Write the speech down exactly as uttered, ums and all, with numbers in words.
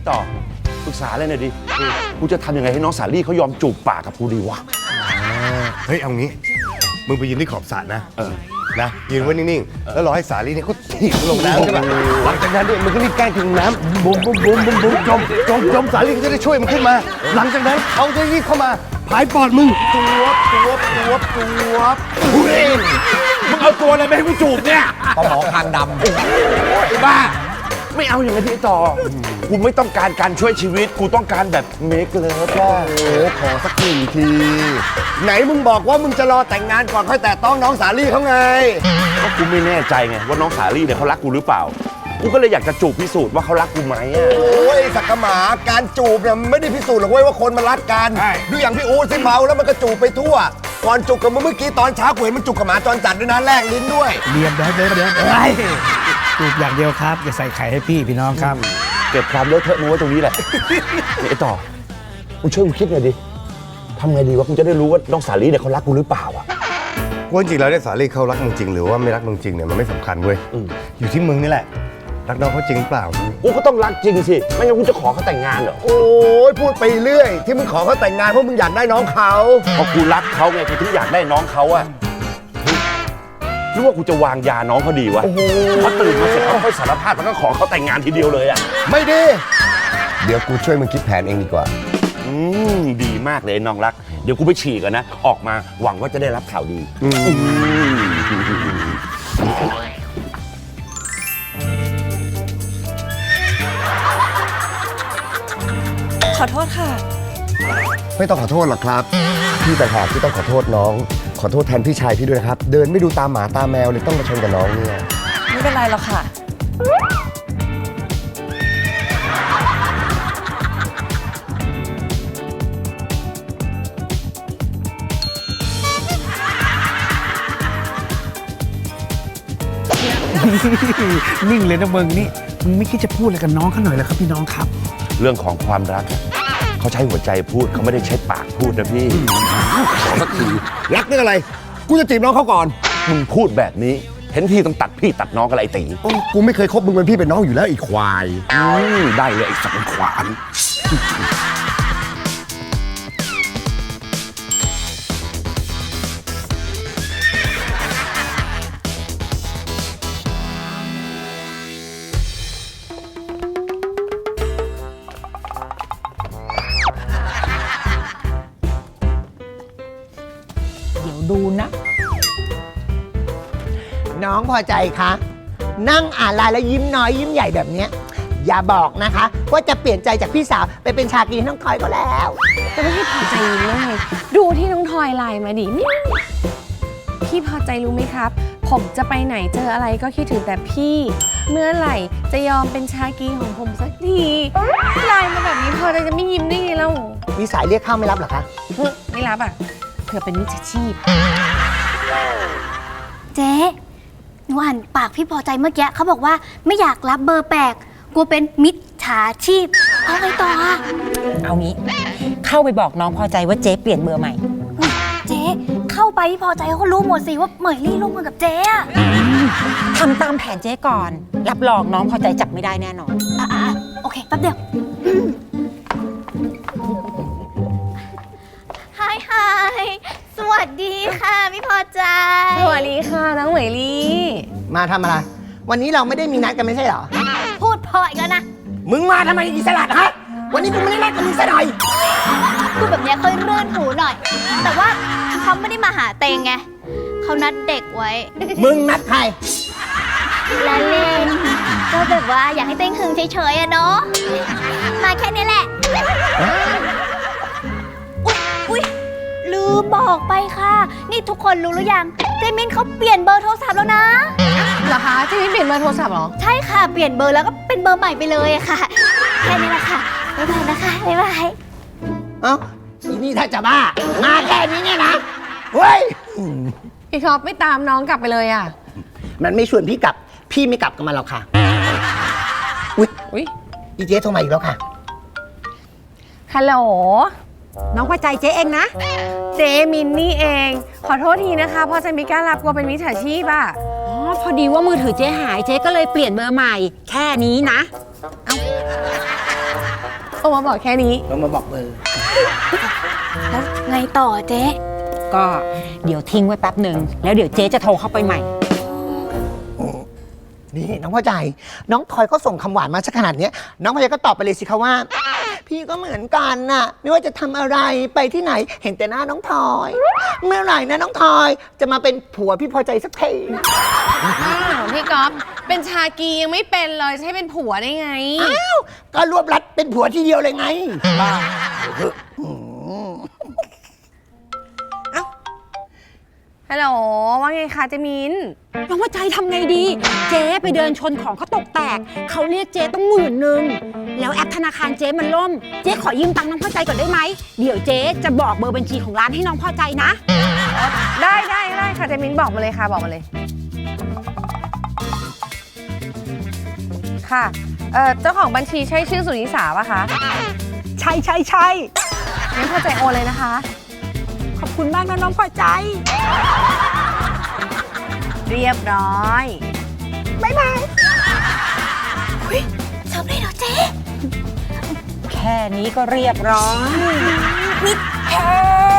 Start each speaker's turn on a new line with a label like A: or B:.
A: ต่อปรึกษาเลยหน่อยดิกูจะทำยังไงให้น้องสาลี่เขายอมจูบปากกับกูดีวะ
B: เฮ้ยเอางี้มึงไปยืนที่ขอบสระนะเออนะยืนไว้นิ่งๆแล้วรอให้สาลี่เนี่ยเขาถีบลงน้ำใช่ป่ะหลังจากนั้นเนี่ยมึงก็รีบแกล้งถึงน้ำบุ้มบุ้มบุ้มบุ้มบุ้มจมจมจมสาลี่ก็จะได้ช่วยมันขึ้นมาหลังจากนั้นเขาจะรีบเข้ามาผายปอดมึงตัวตัวตัวตัว
A: มึงเอาตัวอะไรไปให้กูจูบเนี่ย
C: ปลาหมอคางดำ
A: ไอ้บ้าไม่เอาอย่างนี้พี่ต่อกูไม่ต้องการการช่วยชีวิตกูต้องการแบบเมคเลิฟก็
B: โอ้ขอสักหนึ่งทีไหนมึงบอกว่ามึงจะรอแต่งงานก่อนค่อยแตะต้องน้องสาลี่เขาไง
A: ก็กูไม่แน่ใจไงว่าน้องสาลี่เนี่ยเขารักกูหรือเปล่ากูก็เลยอยากจะจูบพิสูจน์ว่าเขารักกูไหมอ่ะ
B: โอ้ยสักกะหมาการจูบเนี่ยไม่ได้พิสูจน์หรอกเว้ยว่าคนมันรักกันดูอย่างพี่อู๋สิเมาแล้วมันก็จูบไปทั่วก่อนจูบกับมึงเมื่อกี้ตอนเช้ากูเห็นมันจูบกับหมาจรจัดด้วยนะแลกลิ้นด้วย
D: เรียบร้อยเรียบร้อยจูบอย่างเดียวครับอย่าใส่ไข่ให้พี่พี่น้องครับ
A: เก็บความเลอะเทอะนู้ไว้ตรงนี้แหละไอ้ต่อมึงช่วยกูคิดหน่อยดิทำไงดีวะกูจะได้รู้ว่าน้องสาลี่เนี่ยเขารักกูหรือเปล่าอ่ะ
B: ว่าจริงแล้วเนี่ยสาลี่เขารักมึงจริงหรือว่าไม่รักมึงจริงเนี่ยมันไม่สำคัญเว้ยอยู่ที่มึงนี่แหละรักน้องเขาจริงเปล่า
A: กูก็ต้องรักจริงสิไม่งั้นกูจะขอเขาแต่งงานเหรอ
B: โอ้ยพูดไปเรื่อยที่มึงขอเขาแต่งงานเพราะมึงอยากได้น้องเขา
A: เพราะกูรักเขาไงกูถึงอยากได้น้องเขาอะหรือว่ากูจะวางยาน้องเขาดีวะพอตื่นมาเสร็จเขาค่อยสารภาพแล้วก็ขอเขาแต่งงานทีเดียวเลยอะ
B: ไม่ดีเดี๋ยวกูช่วยมึงคิดแผนเองดีกว่า
A: อืมดีมากเลยน้องรักเดี๋ยวกูไปฉี่กันนะออกมาหวังว่าจะได้รับข่าวดี
E: ขอโทษค่ะ
B: ไม่ต้องขอโทษหรอกครับพี่แต่หากที่ต้องขอโทษน้องขอโทษแทนพี่ชายพี่ด้วยนะครับเดินไม่ดูตาหมาตาแมวเลยต้องมาชนกับน้องเนี่ย
E: ไม่เป็นไรหรอกค่ะ
D: นิ่งเลยนะมึงนี่มึงไม่คิดจะพูดอะไรกับน้องเขาหน่อยเหรอครับพี่น้องครับ
A: เรื่องของความรักเขาใช้หัวใจพูดเขาไม่ได้ใช้ปากพูดนะพี่
B: ขอสักทีรักเรื่องอะไรกูจะจีบน้องเขาก่อน
A: มึงพูดแบบนี้เห็นที่ต้องตัดพี่ตัดน้องกันไอ้ตี
B: กูไม่เคยคบมึงเป็นพี่เป็นน้องอยู่แล้วไอ้ควาย
A: ได้เลยไอ้สังขวาน
F: ดูนะน้องพอใจคะนั่งอ่านไลน์แล้วยิ้มน้อยยิ้มใหญ่แบบนี้อย่าบอกนะคะว่าจะเปลี่ยนใจจากพี่สาวไปเป็นชากีน้องทอยก็แล้ว
E: แต่ไม่พอใจยิ้มได้ดูที่น้องทอยไลน์มาดินี่พี่พอใจรู้ไหมครับผมจะไปไหนเจออะไรก็คิดถึงแต่พี่เมื่อไหร่จะยอมเป็นชากีของผมสักทีไลน์มาแบบนี้พอใจจะไม่ยิ้มได้ไงเล่า
F: มีสายเรียกเข้าไม่รับหรอคะ
E: ไม่รับอ่ะเผื่อเป็นมิจฉาชีพ
G: เจ๊หนูอ่านปากพี่พอใจเมื่อกี้เขาบอกว่าไม่อยากรับเบอร์แปลกกลัวเป็นมิจฉาชีพเอาไงต่ออะ
H: เอางี้เข้าไปบอกน้องพอใจว่าเจ๊เปลี่ยนเบอร์ใหม่
G: เจ๊เข้าไปพี่พอใจเขาก็รู้หมดสิว่าเหมยลี่ร่วมมือกับเจ๊อะ
H: ทำตามแผนเจ๊ก่อนรับรองน้องพอใจจับไม่ได้แน่นอน
G: อ่ะโอเคแป๊บเดียวฮายฮายสวัสดีค่ะพี่พอใจ
E: สวัสดีค่ะน้องเหมยลี่
F: มาทำอะไรวันนี้เราไม่ได้มีนัดกันไม่ใช่เหรอ
G: พูดพออีกแล้วนะ
F: มึงมาทำไมอิสระฮะวันนี้กูไม่ได้นัดกับมึงซะหน่อย
G: พูดแบบนี้ค่อยเรื่อนหูหน่อยแต่ว่าเขาไม่ได้มาหาเตงไงเขานัดเด็กไว้
F: มึงนัดใคร
G: ละเล่นก็แบบว่าอยากให้เต้งหึงเฉยๆอะเนาะมาแค่นี้แหละอุ๊ยลืมบอกไปค่ะนี่ทุกคนรู้หรือยังเจมินเขาเปลี่ยนเบอร์โทรศัพท์แล้วนะ
E: เหรอคะเจมินเปลี่ยนเบอร์โทรศัพท์เหรอ
G: ใช่ค่ะเปลี่ยนเบอร์แล้วก็เป็นเบอร์ใหม่ไปเลยค่ะแค่นี้แหละค่ะบ๊ายบายนะคะบ๊ายบาย
F: เอ้าอีนี่ถ้าจะบ้ามาแค่นี้เนี่ยนะเฮ้ย
E: พี่ท็อปไม่ตามน้องกลับไปเลยอ่ะ
F: มันไม่ชวนพี่กลับพี่ไม่กลับกับมันหรอกค่ะอุ๊ยอุ๊ยอีเจ๊โทรมาอีกแล้วค่ะ
E: ฮัลโหล
H: น้องพอใจเจ๊เองนะ
E: เจมินนี่เองขอโทษทีนะคะพอจะไม่กล้ารับกลัวเป็นมิจฉาชีพอ่ะ
H: อ๋อพอดีว่ามือถือเจ๊หายเจ๊ก็เลยเปลี่ยนเบอร์ใหม่แค่นี้นะเอ้า
E: รมาบอกแค่นี้
F: เรามาบอกเบอร์
G: แล้วไงต่อเจ๊
H: ก็เดี๋ยวทิ้งไว้แป๊บหนึ่งแล้วเดี๋ยวเจ๊จะโทรเข้าไปใหม่
F: นี่น้องพ่อใจ น้องทอยเขาส่งคำหวานมาสักขนาดเนี้ยน้องพ่อใจก็ตอบไปเลยสิคะว่า พี่ก็เหมือนกันน่ะ ไม่ว่าจะทำอะไรไปที่ไหนเห็นแต่หน้าน้องทอย เมื่อไหร่นะน้องทอยจะมาเป็นผัวพี่พอใจสักที
E: อ้าวพี่ก๊อฟเป็นชากียังไม่เป็นเลยจะให้เป็นผัวได้ไง
F: อ้าวก็รวบรัดเป็นผัวทีเดียวเลยไงบ้า
E: ฮัลโหลว่าไงคะเจมิน
H: น้องว่าใจทำไงดี เจ๊ไปเดินชนของเขาตกแตก เขาเรียกเจ๊ต้องหมื่นหนึ่งแล้วแอปธนาคารเจ๊มันล่ม เจ๊ขอยืมตังค์น้องพอใจก่อนได้ไหม เดี๋ยวเจ๊จะบอกเบอร์บัญชีของร้านให้น้องพอใจนะ
E: ได้ได้ได้ค่ะเจมินบอกมาเลยค่ะบอกมาเลย ค่ะเอ่อเจ้าของบัญชีใช่ชื่อสุนิสาป่ะคะ
H: ใช่ใช่ใช่
E: งั้นพอใจโอนเลยนะคะ
H: ขอบคุณมากนะน้องพอใจ
E: เรียบร้อย
G: ทำได้เหรอเจ๊
H: แค่นี้ก็เรียบร้อย
G: มิดแท้